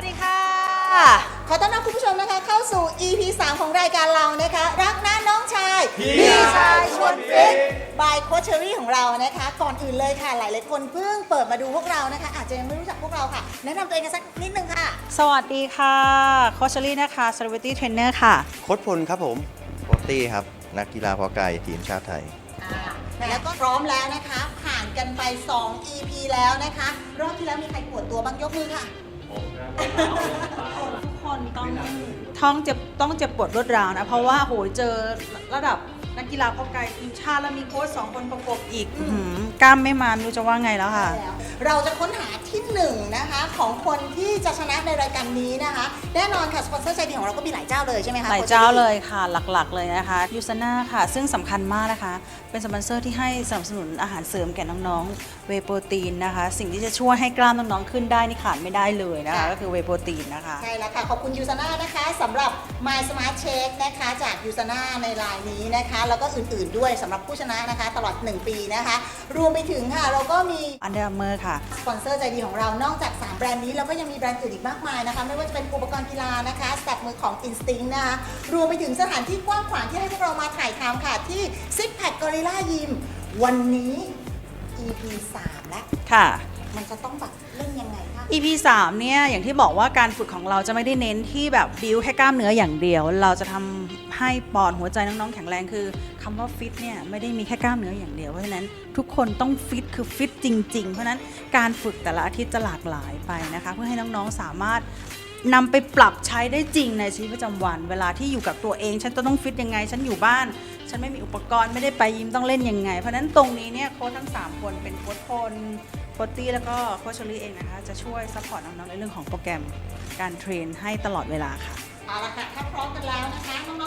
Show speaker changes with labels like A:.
A: ดีค่ะ
B: ขอต้อนรับคุณผู้ชมนะคะเข้าสู่ EP 3 ของรายการเรานะคะรักนะน้องชายพี่ชายชวนฟิตบายโคชเชอรี่ของเรานะคะก่อนอื่นเลยค่ะหลายๆคนเพิ่งเปิดมาดูพวกเรานะคะอาจจะยังไม่รู้จักพวกเราค่ะแนะนำตัวเองกันสักนิดนึงค่ะ
A: สวัสดีค่ะโคชเชอรี่นะคะ Celebrity Trainer ค่ะ
C: โค้ชพลครับผมโคชตี้ครับ นักกีฬาเพาะกายทีมชาติไทย
B: แล้วก็พร้อมแล้วนะคะผ่านกันไป 2 EP แล้วนะคะรอบที่แล้วมีใครปวดตัวบ้างยกมือค่ะ
A: ทุกคนต้องเจ็บปวดรวดร้าวนะ เพราะว่าโหยเจอระดับนักกีฬาเพาะกายทีมชาติแล้วมีโค้ช2 คนประกบอีกกล้ามไม่มาไม่รู้จะว่าไงแล้วค่ะ
B: เราจะค้นหาที่1นะคะของคนที่จะชนะในรายการนี้นะคะแน่นอนค่ะสปอนเซอร์ใจดีของเราก็มีหลายเจ้าเลยใช่ไหมคะ
A: หลายเจ้าเลยค่ะหลักๆเลยนะคะยูซาน่าค่ะ ซึ่งสำคัญมากนะคะ เป็นสปอนเซอร์ที่ให้สนับสนุนอาหารเสริมแก่น้องๆเวย์โปรตีนนะคะ สิ่งที่จะช่วยให้กล้ามน้องๆขึ้นได้นี่ขาดไม่ได้เลยนะคะก็คือเวย์โปรตีนนะคะ
B: ใช่แล้วค่ะขอบคุณยูซาน่านะคะสำหรับ My Smart Shake นะคะจากยูซาน่าในรายนี้นะคะแล้วก็อื่นๆด้วยสำหรับผู้ชนะนะคะตลอด1ปีนะคะรวมไปถึงค่ะเราก็มี
A: Under Armour ค่ะ
B: สปอนเซอร์ใจดีของเรานอกจาก3แบรนด์นี้เราก็ยังมีแบรนด์อื่นอีกมากมายนะคะไม่ว่าจะเป็นอุปกรณ์กีฬานะคะสแตทมือของ Instinct นะคะรวมไปถึงสถานที่กว้างขวางที่ให้พวกเรามาถ่ายทำค่ะที่ Six Pack Gorilla Gym วันนี้ EP 3 แล้ว
A: ค่ะ
B: มันจะต้องแบบเล่นยังไงคะ
A: EP 3เนี่ยอย่างที่บอกว่าการฝึกของเราจะไม่ได้เน้นที่แบบบิวแค่กล้ามเนื้ออย่างเดียว เราจะทำให้ปอดหัวใจน้องๆแข็งแรงคือคำว่าฟิตเนี่ยไม่ได้มีแค่กล้ามเนื้ออย่างเดียวเพราะฉะนั้นทุกคนต้องฟิตคือฟิตจริงๆเพราะฉะนั้นการฝึกแต่ละอาทิตย์จะหลากหลายไปนะคะเพื่อให้น้องๆสามารถนำไปปรับใช้ได้จริงในชีวิตประจำวัน เวลาที่อยู่กับตัวเองฉันจะต้องฟิตยังไงฉันอยู่บ้านฉันไม่มีอุปกรณ์ไม่ได้ไปยิมต้องเล่นยังไงเพราะฉะนั้นตรงนี้เนี่ยโค้ชทั้ง3คนเป็นโค้ชพลโค้ชตี้แล้วก็โค้ชเชอรี่เองนะคะจะช่วยซัพพอร์ตน้องๆในเรื่องของโปรแกรมการเทรนให้ตลอดเวลาค่ะ
B: เอาละค่ะถ้าพร้อมกันแล้วนะคะน้